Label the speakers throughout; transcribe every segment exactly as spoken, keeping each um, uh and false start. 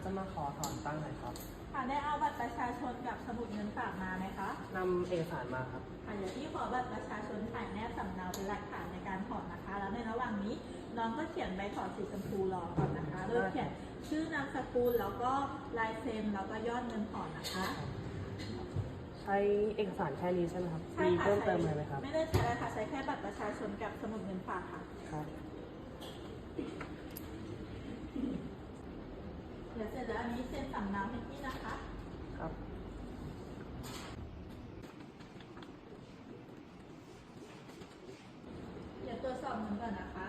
Speaker 1: จะมาขอถอนตั้งหน่อยครับ
Speaker 2: ค่ะได้เอาบัตรประชาชนกับสมุดเงินฝากมาไหมคะ
Speaker 1: นำเอกสารมาครับ
Speaker 2: ค่ะเดี๋ยวพี่ขอบัตรประชาชนถ่ายแนบสำเนาเป็นหลักฐานในการถอนนะคะ แล้วในระหว่างนี้น้องก็เขียนใบถอนสีชมพูรอก่อนนะคะโดยเขียนชื่อนามสกุลแล้วก็ลายเซ็นแล้วก็ยอดเงินถอนนะคะ
Speaker 1: ใช้เอกสารแค่นี้ใช่ไหมครับ
Speaker 2: ใช่
Speaker 1: มี
Speaker 2: ค่ะ
Speaker 1: เพิ่มเติมอะไรไหมครับ
Speaker 2: ไม่ได้ใช้อะไรค่ะใช้แค่บัตรประชาชนกับสมุดเงินฝากค่ะ
Speaker 1: ครับ
Speaker 2: เดี๋ยวเสร็จแล้วอันนี้เซ็นสำเนาให้พี่นะคะ
Speaker 1: ครับ
Speaker 2: เดี๋ยวตรวจสอบเงินก่อนนะคะ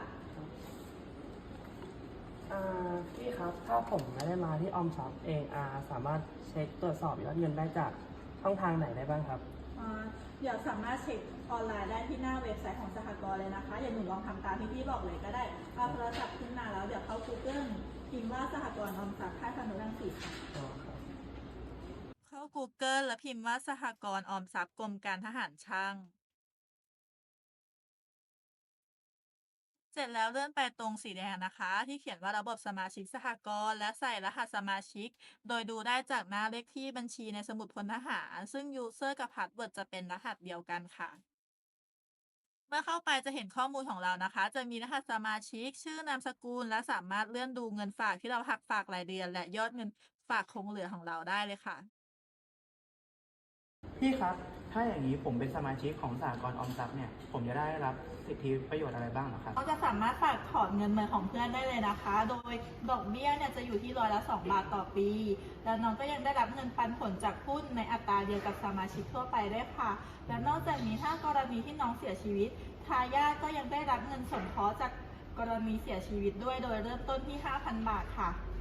Speaker 1: อ่าพี่ครับถ้าผมไม่ได้มาที่ออมทรัพย์เองอ่าสามารถเช็คตรวจสอบยอดเงินได้จากช่องทางไหนได้บ้างครับ
Speaker 2: เดี๋ยวสามารถเช็คออนไลน์ได้ที่หน้าเว็บไซต์ของสหกรณ์เลยนะคะอย่าหนูลองทำตามที่พี่บอกเลยก็ได้เอาโทรศัพท์ขึ้นมาแล้วเดี๋ยวเข้า Google พิมพ์ว่าสหกรณ์ออมทรัพย์ค่ายพนุรังสีค่ะเข้า Google แล้วพิมพ์ว่าสหกรณ์ออมทรัพย์กรมการทหารช่างเสร็จแล้วเลื่อนไปตรงสีแดงนะคะที่เขียนว่าระบบสมาชิกสหกรณ์และใส่รหัสสมาชิกโดยดูได้จากหน้าเลขที่บัญชีในสมุดพลทหารซึ่ง User กับ Password จะเป็นรหัสเดียวกันค่ะเมื่อเข้าไปจะเห็นข้อมูลของเรานะคะจะมีรหัสสมาชิกชื่อนามสกุลและสามารถเลื่อนดูเงินฝากที่เราหักฝากรายเดือนและยอดเงินฝากคงเหลือของเราได้เลยค่ะ
Speaker 3: พี่ครับถ้าอย่างนี้ผมเป็นสมาชิกของสหกรณ์ออมทรัพย์เนี่ยผมจะได้รับสิทธิประโยชน์อะไรบ้างเหรอครับ
Speaker 2: เราจะสามารถฝากถอนเงินเหมือนของเพื่อนได้เลยนะคะ โดยดอกเบี้ยเนี่ยจะอยู่ที่ร้อยละสองบาทต่อปี แล้วน้องก็ยังได้รับเงินปันผลจากหุ้นในอัตราเดียวกับสมาชิกทั่วไปด้วยค่ะ และนอกจากนี้ถ้ากรณีที่น้องเสียชีวิตทายาทก็ยังได้รับเงินสงเคราะห์จากกรณีเสียชีวิตด้วยโดยเริ่มต้นที่ ห้าพัน บาทค่ะ